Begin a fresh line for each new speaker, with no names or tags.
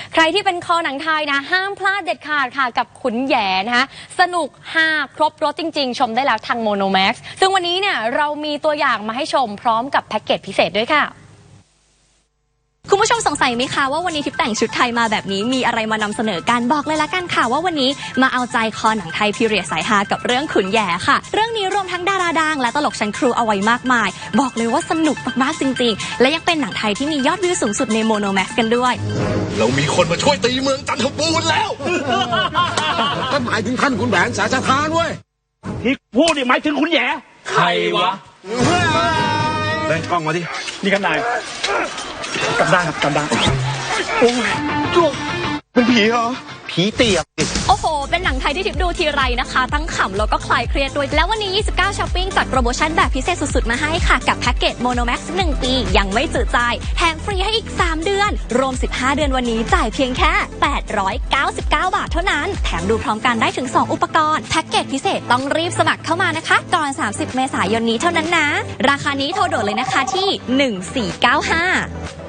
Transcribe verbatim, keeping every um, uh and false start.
ใครที่เป็นคอหนังไทยนะห้ามพลาดเด็ดขาดค่ะกับขุนแหย่นะคะสนุกฮาครบรสจริงๆชมได้แล้วทางโมโนแม็กซ์ซึ่งวันนี้เนี่ยเรามีตัวอย่างมาให้ชมพร้อมกับแพ็กเกจพิเศษด้วยค่ะ
คุณผู้ชมสงสัยไหมคะว่าวันนี้ทิพย์แต่งชุดไทยมาแบบนี้มีอะไรมานำเสนอกันบอกเลยละกันค่ะว่าวันนี้มาเอาใจคอหนังไทยพีเรียดสายฮากับเรื่องขุนแหย่ค่ะเรื่องนี้รวมทั้งดาราดังและตลกชั้นครูเอาไว้มากมายบอกเลยว่าสนุกมากๆจริงๆและยังเป็นหนังไทยที่มียอดวิวสูงสุดในโมโนแม็กซ์กันด้วย
เรามีคนมาช่วยตีเมืองจันทบูรณ์แล้ว
ก็หมายถึงท่านขุนแผนสาชทานเว้ย
ที่พูดนี่หมายถึงขุนแหย่
ใครวะ
เล่นกล้องมาดิ
นี่กันนายกำด้างครับกำด้างโอ้ยจุกเป็นผีเหรอผีเตียบ
โอ้โหเป็นหนังไทยที่ทิพย์ดูทีไรนะคะทั้งขำแล้วก็คลายเครียดด้วยแล้ววันนี้ยี่สิบเก้าช้อปปิ้งจัดโปรโมชั่นแบบพิเศษสุดๆมาให้ค่ะกับแพ็กเกจโมโนแม็กซ์หนึ่งปียังไม่จืดจายแถมฟรีให้อีกสามเดือนรวมสิบห้าเดือนวันนี้จ่ายเพียงแค่แปดร้อยเก้าสิบเก้าบาทเท่านั้นแถมดูพร้อมกันได้ถึงสองอุปกรณ์แพ็กเกจพิเศษต้องรีบสมัครเข้ามานะคะก่อนสามสิบเมษายนนี้เท่านั้นนะราคานี้โทรด่วนเลยนะคะที่หนึ่งสี่เก้าห้า